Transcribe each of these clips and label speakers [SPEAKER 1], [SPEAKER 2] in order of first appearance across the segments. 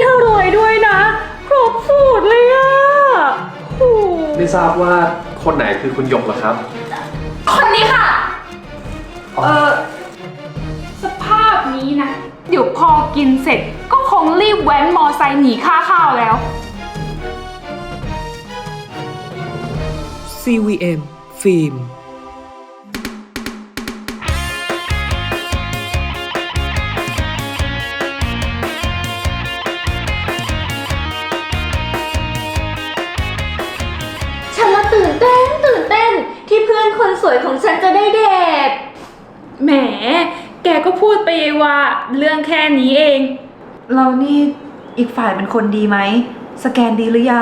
[SPEAKER 1] อรวยด้วยนะครบสูตรเลยอะโอ้
[SPEAKER 2] ไม่ทราบว่าคนไหนคือคุณหยกเหรอครับ
[SPEAKER 3] คนนี้ค่ะ สภาพนี้นะ เดี๋ยวพอกินเสร็จก็คงรีบแว้นมอไซค์หนีค่าข้าวแล้ว
[SPEAKER 4] CVM ฟิล์ม
[SPEAKER 1] ฉันละตื่นเต้นที่เพื่อนคนสวยของฉันจะได้เดท
[SPEAKER 3] แหม แกก็พูดไปว่าเรื่องแค่นี้เอง
[SPEAKER 5] เรานี่อีกฝ่ายเป็นคนดีไหมสแกนดีหรือยัง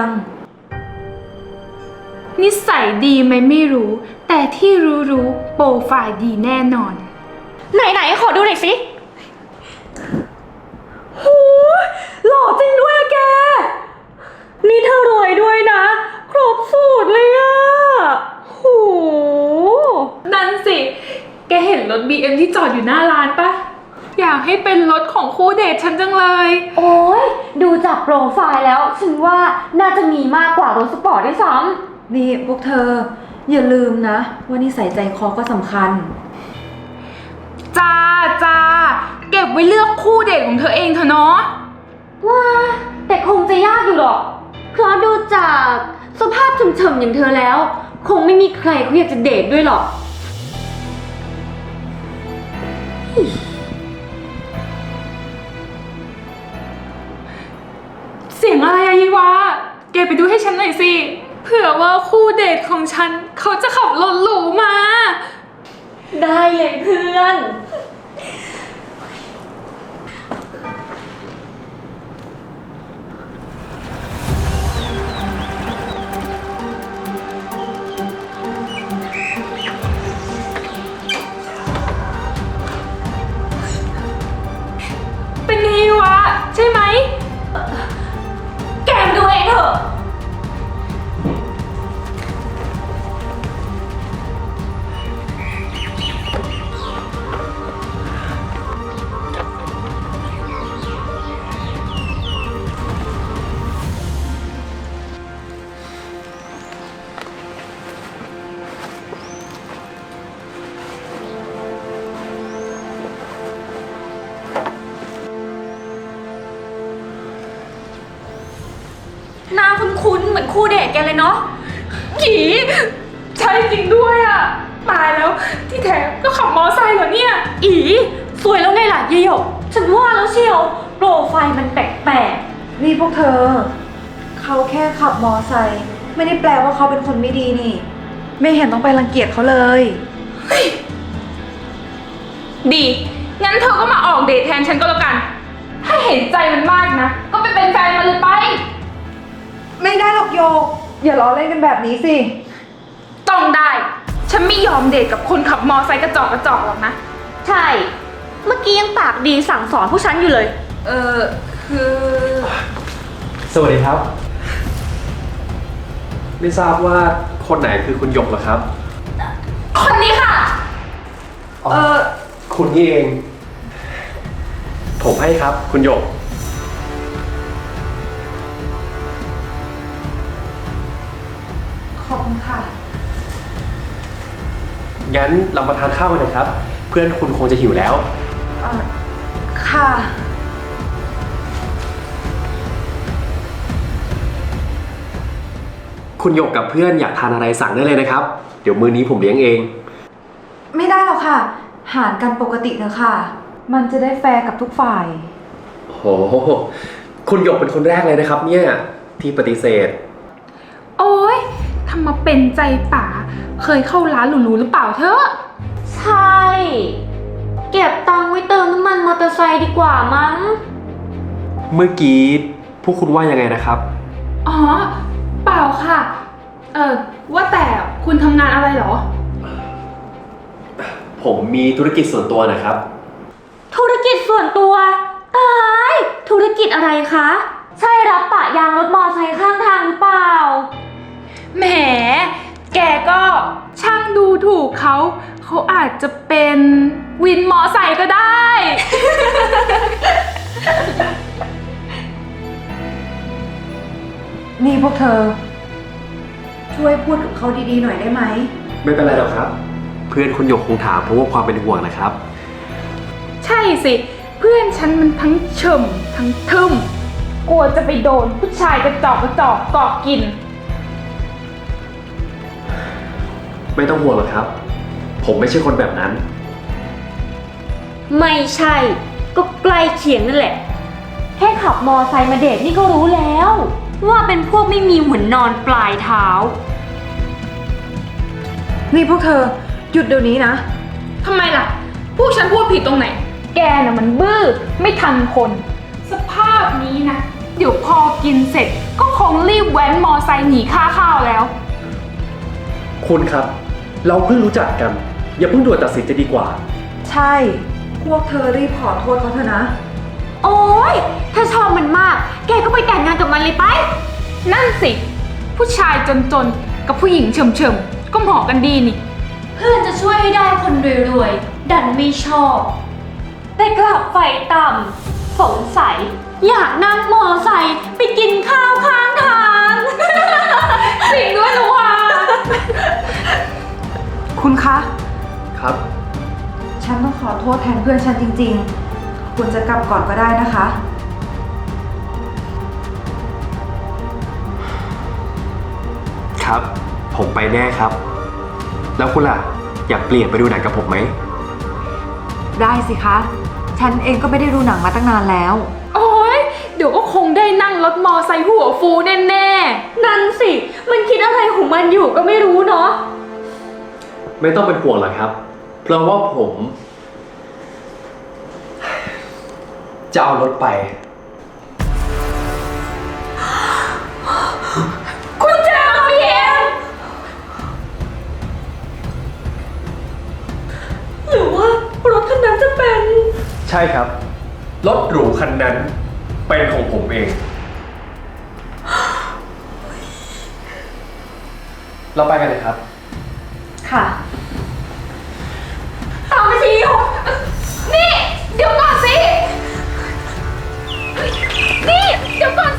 [SPEAKER 3] นิสัยดีไหมไม่รู้ แต่ที่รู้โปรไฟล์ดีแน่นอน
[SPEAKER 1] ไหนขอดูหน่อยสิโหหล่อจริงด้วยอะแก นี่เธอรวยด้วยนะ ครบสูตรเลยอะโห
[SPEAKER 3] นั่นสิ แกเห็นรถ BM ที่จอดอยู่หน้าร้านปะ อยากให้เป็นรถของคู่เดทฉันจังเลย
[SPEAKER 1] โอ้ยดูจากโปรไฟล์แล้ว ฉันว่าน่าจะมีมากกว่ารถสปอร์ตด้วยซ้ำ
[SPEAKER 5] นี่พวกเธออย่าลืมนะว่านิสัยใจคอก็สำคัญ
[SPEAKER 3] จ้า เก็บไว้เลือกคู่เดทของเธอเองเถอะเนาะ
[SPEAKER 1] ว่าแต่คงจะยากอยู่หรอก เพราะดูจากสภาพเฉมๆอย่างเธอแล้ว คงไม่มีใครเขาอยากจะเดทด้วยหรอก
[SPEAKER 3] เสียงอะไรอะยีวาแกไปดูให้ฉันหน่อยสิ เผื่อว่าคู่เดทของฉันเขาจะขับรถหรูมา
[SPEAKER 1] ได้เลยเพื่อน
[SPEAKER 3] เป็นไงวะ ใช่ไหม
[SPEAKER 1] แกมดูเองเถอะ หน้าคุ้นๆเหมือนคู่เดทแกเลยเนาะ
[SPEAKER 3] ผีใช่จริงด้วยอะตายแล้วที่แท้ก็ขับมอไซค์เหรอเนี่ย
[SPEAKER 1] อีสวยแล้วไงล่ะเยโยกฉันว่าแล้วเชียว โปรไฟล์มันแปลก
[SPEAKER 5] นี่พวกเธอ เขาแค่ขับมอไซค์ไม่ได้แปลว่าเขาเป็นคนไม่ดีนี่ ไม่เห็นต้องไปรังเกียจเขาเลย
[SPEAKER 3] ดี งั้นเธอก็มาออกเดทแทนฉันก็แล้วกัน ถ้าเห็นใจมันมากนะ ก็ไปเป็นแฟนมันเลยไป
[SPEAKER 5] ไม่ได้หรอกโยก อย่าล้อเล่นกันแบบนี้สิ
[SPEAKER 3] ต้องได้ ฉันไม่ยอมเดทกับคนขับมอไซค์กระจอกหรอกนะ
[SPEAKER 1] ๆ ใช่ เมื่อกี้ยังปากดีสั่งสอนผู้ฉันอยู่เลย
[SPEAKER 3] คือ
[SPEAKER 2] สวัสดีครับ ไม่ทราบว่าคนไหนคือคุณหยกเหรอครับ
[SPEAKER 3] คนนี้ค่ะ
[SPEAKER 2] คุณนี่เอง ผมให้ครับ คุณหยก
[SPEAKER 5] ขอบคุณค่ะ
[SPEAKER 2] งั้นเรามาทานข้าวกันนะครับ เพื่อนคุณคงจะหิวแล้ว
[SPEAKER 5] ค่ะ
[SPEAKER 2] คุณหยกกับเพื่อนอยากทานอะไรสั่งได้เลยนะครับ เดี๋ยวมื้อนี้ผมเลี้ยงเอง
[SPEAKER 5] ไม่ได้หรอกค่ะ หารกันปกติเถอะค่ะ มันจะได้แฟร์กับทุกฝ่าย
[SPEAKER 2] โห คุณหยกเป็นคนแรกเลยนะครับ เนี่ยที่ปฏิเสธ
[SPEAKER 3] โอ๊ยทำมาเป็นใจป๋า เคยเข้าร้านหรูๆหรือเปล่าเธอ
[SPEAKER 1] ใช่ เก็บตังค์ไว้เติมน้ำมันมอเตอร์ไซค์ดีกว่ามั้ง
[SPEAKER 2] เมื่อกี้พวกคุณว่ายังไงนะครับ
[SPEAKER 3] อ๋อ เปล่าค่ะ ว่าแต่คุณทำงานอะไรเหรอ
[SPEAKER 2] ผมมีธุรกิจส่วนตัวนะครับ
[SPEAKER 1] ธุรกิจส่วนตัว ตาย ธุรกิจอะไรคะ ใช่รับปะยางรถมอไซค์ข้างทางหรือเปล่า
[SPEAKER 3] แหม แกก็ช่างดูถูกเขา เขาอาจจะเป็นวินมอไซค์ก็ได้
[SPEAKER 5] นี่พวกเธอ ช่วยพูดกับเขาดีๆหน่อยได้ไหม
[SPEAKER 2] ไม่เป็นไรหรอกครับ เพื่อนคุณหยกคงถามเพราะว่าความเป็นห่วงนะครับ
[SPEAKER 3] ใช่สิ เพื่อนฉันมันทั้งเฉมทั้งทึมกลัวจะไปโดนผู้ชายกระจอกเกาะกิน
[SPEAKER 2] ไม่ต้องห่วงหรอกครับ ผมไม่ใช่คนแบบนั้น
[SPEAKER 1] ไม่ใช่ ก็ใกล้เคียงนั่นแหละ แค่ขับมอไซค์มาเดทนี่ก็รู้แล้ว ว่าเป็นพวกไม่มีหัวนอนปลายเท้า
[SPEAKER 5] นี่พวกเธอ หยุดเดี๋ยวนี้นะ
[SPEAKER 3] ทำไมล่ะ พวกฉันพูดผิดตรงไหน แกน่ะมันบื้อ ไม่ทันคน สภาพนี้นะ เดี๋ยวพอกินเสร็จ ก็คงรีบแว้นมอไซค์หนีค่าข้าวแล้ว
[SPEAKER 2] คุณครับ เราเพิ่งรู้จักกัน อย่าเพิ่งด่วนตัดสินจะดีกว่า
[SPEAKER 5] ใช่ พวกเธอรีบขอโทษเขาเถอะนะ
[SPEAKER 1] โอ๊ย ถ้าชอบมันมาก แกก็ไปแต่งงานกับมันเลยไป
[SPEAKER 3] นั่นสิ ผู้ชายจนๆ กับผู้หญิงเฉมๆ ก็เหมาะกันดีนี่
[SPEAKER 1] เพื่อนจะช่วยให้ได้คนรวยๆ ดันไม่ชอบ แต่กลับไฟต่ำสงสัย อยากนั่งมอไซค์ไปกินข้าวข้างทาง
[SPEAKER 3] จริงด้วยนะว่า
[SPEAKER 5] คุณคะ
[SPEAKER 2] ครับ
[SPEAKER 5] ฉันต้องขอโทษแทนเพื่อนฉันจริงๆ คุณจะกลับก่อนก็ได้นะคะ
[SPEAKER 2] ครับ ผมไปแน่ครับ แล้วคุณล่ะ อยากเปลี่ยนไปดูหนังกับผมไหม
[SPEAKER 5] ได้สิคะ ฉันเองก็ไม่ได้ดูหนังมาตั้งนานแล้ว
[SPEAKER 3] โอ้ยเดี๋ยวก็คงได้นั่งรถมอไซค์หัวฟูแน่
[SPEAKER 1] นั่นสิ มันคิดอะไรของมันอยู่ก็ไม่รู้เนาะ
[SPEAKER 2] ไม่ต้องเป็นห่วงหรอกครับ เพราะว่าผม จะเอารถไป
[SPEAKER 3] ๆ คุณเจอพี่เอ็ม
[SPEAKER 1] หรือว่ารถคันนั้นจะเป็น
[SPEAKER 2] ใช่ครับ รถหรูคันนั้น เป็นของผมเอง เราไปกันเลยครับ
[SPEAKER 5] ค่ะ
[SPEAKER 3] ตามไปทีนี่ เดี๋ยวก่อนสิ นี่ เดี๋ยวก่อนสิ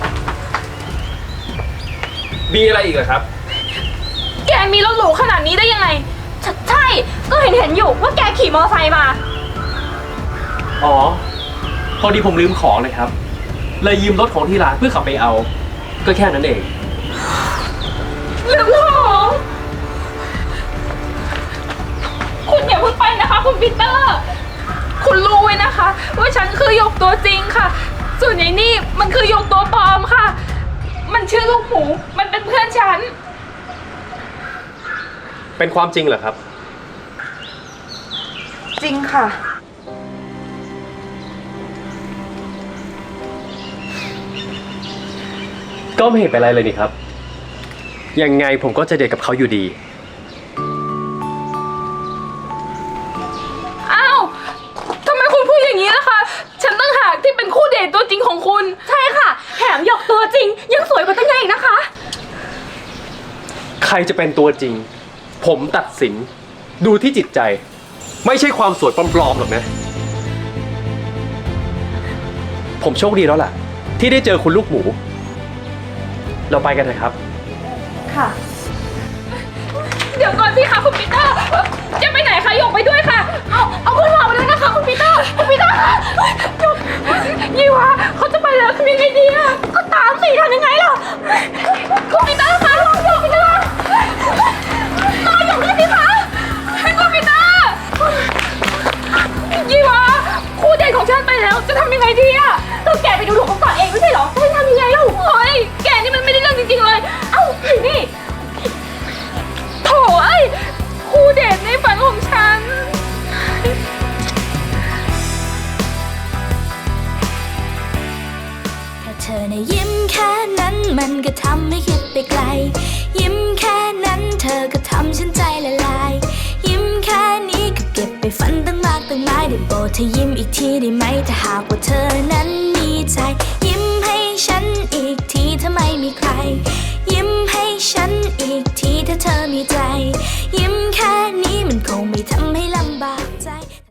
[SPEAKER 2] มีอะไรอีกเหรอครับ
[SPEAKER 3] แกมีรถหรูขนาดนี้ได้ยังไง
[SPEAKER 1] ใช่ ก็เห็นอยู่ว่าแกขี่มอไซค์มา
[SPEAKER 2] อ๋อ พอดีผมลืมของเลยครับ เลยยืมรถของที่ร้านเพื่อขับไปเอา ก็แค่นั้นเอง
[SPEAKER 3] ลืมของ คุณอย่าเพิ่งไปนะคะ คุณปีเตอร์ คุณรู้ไว้นะคะ ว่าฉันคือหยกตัวจริงค่ะ ส่วนไอ้นี่มันคือหยกตัวปลอมค่ะ มันชื่อลูกหมู มันเป็นเพื่อนฉัน
[SPEAKER 2] เป็นความจริงเหรอครับ
[SPEAKER 5] จริงค่ะ
[SPEAKER 2] ก็ไม่เห็นเป็นไรเลยนี่ครับ ยังไงผมก็จะเดทกับเขาอยู่ดี
[SPEAKER 3] อ้าวทำไมคุณพูดอย่างนี้ล่ะคะ ฉันตั้งหากที่เป็นคู่เดทตัวจริงของคุณ
[SPEAKER 1] ใช่ค่ะ แถมหยกตัวจริง ยังสวยกว่าตั้งไงอีกนะคะ
[SPEAKER 2] ใครจะเป็นตัวจริง ผมตัดสิน ดูที่จิตใจ ไม่ใช่ความสวยปลอมๆหรอกนะ ผมโชคดีแล้วล่ะ ที่ได้เจอคุณลูกหมู เราไปกันเถอะครับ
[SPEAKER 5] ค่ะ
[SPEAKER 3] เดี๋ยวก่อนสิคะคุณปีเตอร์จะไปไหนคะหยกไปด้วยค่ะ เอาพวกเราไปด้วยนะคะคุณปีเตอร์คุณปีเตอร์คะหยกยี่วะเขาจะไปแล้วทำยังไงดีอะก็ตามสิทำยังไงล่ะคุณปีเตอร์คะรอหยกไปด้วยรอหยกด้วยสิคะคุณปีเตอร์ยี่วะคู่เดทของฉันไปแล้วจะทำยังไงดีอะก็แกไปดูถูกเขาก่อนเองไม่ใช่เหรอจะให้ทำยังไงเล่าโอ้ยแกนี่มันไม่ได้เรื่องจริงๆเลยเอ้านี่ โถ่เอ้ยคู่เดทในฝันของฉัน
[SPEAKER 4] แค่เธอในะยิ้มแค่นั้นมันก็ทำให้คิดไปไกล ยิ้มแค่นั้นเธอก็ทำฉันใจละลาย ยิ้มแค่นี้ก็เก็บไปฝันตั้งมากตั้งหลายได้โปรดเธอยิ้มอีกทีได้ไหมถ้าหากว่าเธอนั้นมีใจ ยิ้มให้ฉันอีกทีถ้าไม่มีใคร ยิ้มให้ฉันอีกทีถ้าเธอมีใจ ยิ้มแค่นี้มันคงไม่ทำให้ลำบาก